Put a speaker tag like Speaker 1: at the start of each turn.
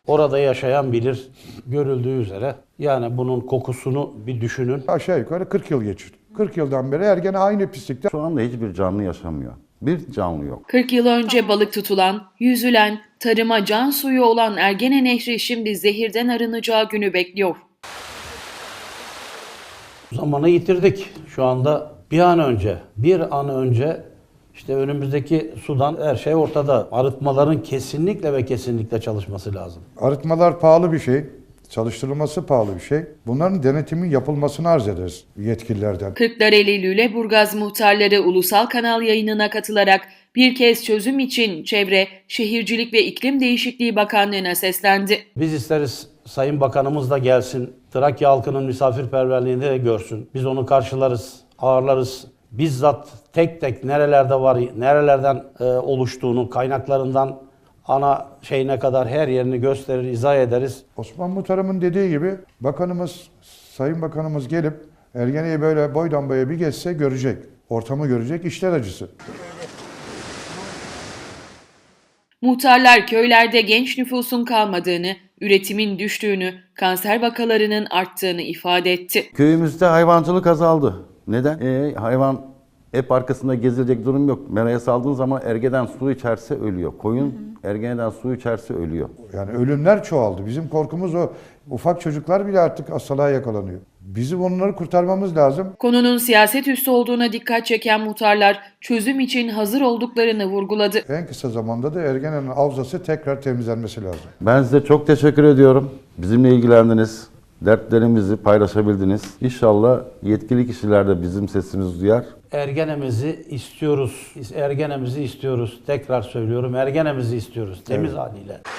Speaker 1: Orada yaşayan bilir, görüldüğü üzere. Yani bunun kokusunu bir düşünün.
Speaker 2: Aşağı yukarı 40 yıl geçti. 40 yıldan beri Ergene aynı pislikte.
Speaker 3: Şu anda hiçbir canlı yaşamıyor. Bir canlı yok.
Speaker 4: 40 yıl önce balık tutulan, yüzülen, tarıma can suyu olan Ergene Nehri şimdi zehirden arınacağı günü bekliyor.
Speaker 1: Zamanı yitirdik. Şu anda bir an önce işte önümüzdeki sudan her şey ortada. Arıtmaların kesinlikle ve kesinlikle çalışması lazım.
Speaker 2: Arıtmalar pahalı bir şey. Çalıştırılması pahalı bir şey. Bunların denetimin yapılmasını arz ederiz yetkililerden.
Speaker 4: Kırklareli Lüleburgaz muhtarları ulusal kanal yayınına katılarak bir kez çözüm için Çevre, Şehircilik ve İklim Değişikliği Bakanlığı'na seslendi.
Speaker 1: Biz isteriz Sayın Bakanımız da gelsin. Trakya halkının misafirperverliğini de görsün. Biz onu karşılarız, ağırlarız. Bizzat tek tek nerelerde var, nerelerden oluştuğunu, kaynaklarından ana şeyine kadar her yerini gösterir, izah ederiz.
Speaker 2: Osman Muhtarım'ın dediği gibi Sayın Bakanımız gelip Ergene'yi böyle boydan boya bir geçse görecek. Ortamı görecek, işler acısı.
Speaker 4: Muhtarlar köylerde genç nüfusun kalmadığını, üretimin düştüğünü, kanser vakalarının arttığını ifade etti.
Speaker 3: Köyümüzde hayvancılık azaldı. Neden? Hayvan hep arkasında gezilecek durum yok. Meraya saldığın zaman ergeden su içerse ölüyor. Koyun ergeneden su içerse ölüyor.
Speaker 2: Yani ölümler çoğaldı. Bizim korkumuz o. Ufak çocuklar bile artık hastalığa yakalanıyor. Bizim onları kurtarmamız lazım.
Speaker 4: Konunun siyaset üstü olduğuna dikkat çeken muhtarlar çözüm için hazır olduklarını vurguladı.
Speaker 2: En kısa zamanda da Ergene'nin havzası tekrar temizlenmesi lazım.
Speaker 3: Ben size çok teşekkür ediyorum. Bizimle ilgilendiniz. Dertlerimizi paylaşabildiniz. İnşallah yetkili kişiler de bizim sesimizi duyar.
Speaker 1: Ergenemizi istiyoruz. Ergenemizi istiyoruz. Tekrar söylüyorum, ergenemizi istiyoruz. Temiz haliyle.